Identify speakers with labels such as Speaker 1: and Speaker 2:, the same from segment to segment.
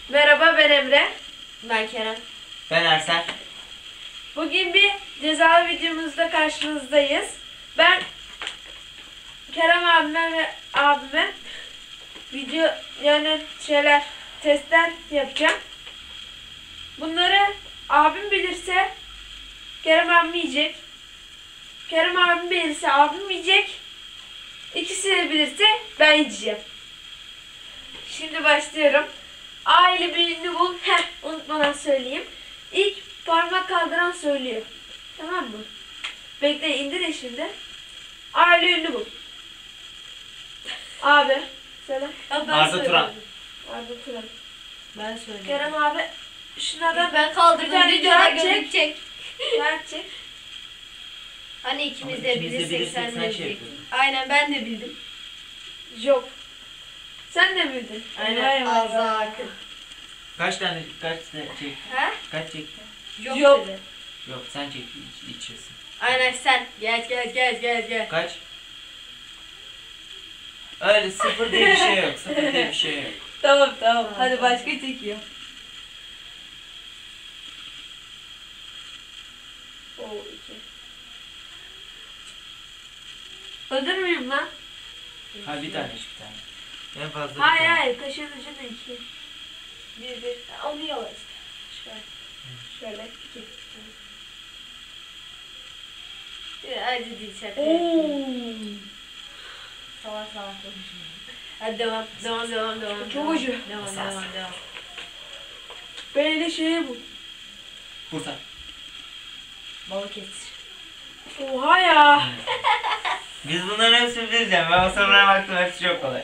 Speaker 1: Merhaba, ben Emre.
Speaker 2: Ben Kerem.
Speaker 3: Ben Ersel.
Speaker 1: Bugün bir cezalı videomuzda karşınızdayız. Ben Kerem abime video testler yapacağım. Bunları abim bilirse Kerem abim yiyecek. Kerem abim bilirse abim yiyecek. İkisi de bilirse ben yiyeceğim. Şimdi başlıyorum. A ile bir ünlü bul. Unutmadan söyleyeyim. İlk parmak kaldıran söylüyor. Tamam mı? Bekle, indirin şimdi. A ile ünlü bul. Abi. Söyle.
Speaker 3: Arda Turan.
Speaker 1: Arda Turan.
Speaker 2: Ben söyleyeyim.
Speaker 1: Kerem abi şunlardan
Speaker 2: Ben kaldırdım.
Speaker 1: bir tane
Speaker 2: Videoda
Speaker 1: kağıt çek.
Speaker 2: gözükecek.
Speaker 1: Gerçek.
Speaker 2: Hani ikimiz
Speaker 3: Ama
Speaker 2: de
Speaker 3: ikimiz de
Speaker 2: bilirsek
Speaker 3: bilirsek
Speaker 2: sen
Speaker 3: sen
Speaker 2: de
Speaker 3: şey
Speaker 2: bilecektin.
Speaker 3: yapıyordun.
Speaker 2: Aynen ben de bildim.
Speaker 1: Yok. Sen de bildin.
Speaker 2: Aynen.
Speaker 1: Vay vay
Speaker 2: Az daha
Speaker 1: vay.
Speaker 2: akın.
Speaker 3: Kaç çektin?
Speaker 2: Ha?
Speaker 3: Kaç çektin?
Speaker 2: Yok dedi.
Speaker 3: Yok sen çektin içiyorsun.
Speaker 2: Aynen sen. Gel.
Speaker 3: Kaç? Öyle sıfır diye bir şey yok. Sıfır diye bir şey yok.
Speaker 1: Tamam. Hadi başka çekiyor. Oo, iki. Öldür müyüm lan?
Speaker 3: Ha bir tane bir tane. En fazla bir tane.
Speaker 1: Hayır. Kaşığın ucunda iki. Bir. Onu yola işte. Şöyle. İki.
Speaker 2: Hadi değil şaka. Salak konuşma. Hadi devam.
Speaker 1: Çok acı.
Speaker 2: Devam.
Speaker 1: Böyle şeye bu.
Speaker 3: Bursa.
Speaker 2: Balıkesir.
Speaker 1: Oha ya.
Speaker 3: Biz bunların hepsini bileceğim. Ben o sorulara baktım, hepsi çok kolay.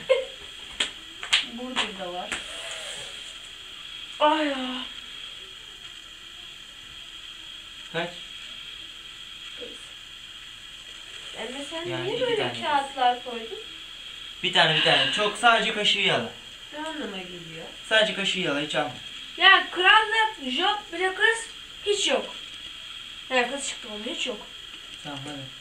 Speaker 2: Burdur'da var.
Speaker 1: Ay ya.
Speaker 3: Kaç?
Speaker 2: Emre sen
Speaker 3: Yani
Speaker 2: niye
Speaker 3: iki
Speaker 2: böyle
Speaker 3: tane.
Speaker 2: kağıtlar koydun?
Speaker 3: Bir tane. Çok sadece kaşığı yala.
Speaker 2: Ne anlama geliyor?
Speaker 3: Sadece kaşığı yala, hiç alma.
Speaker 1: Ya krallık, job, bile kız hiç yok. Ya kız çıktı, onun hiç yok.
Speaker 3: Tamam hadi.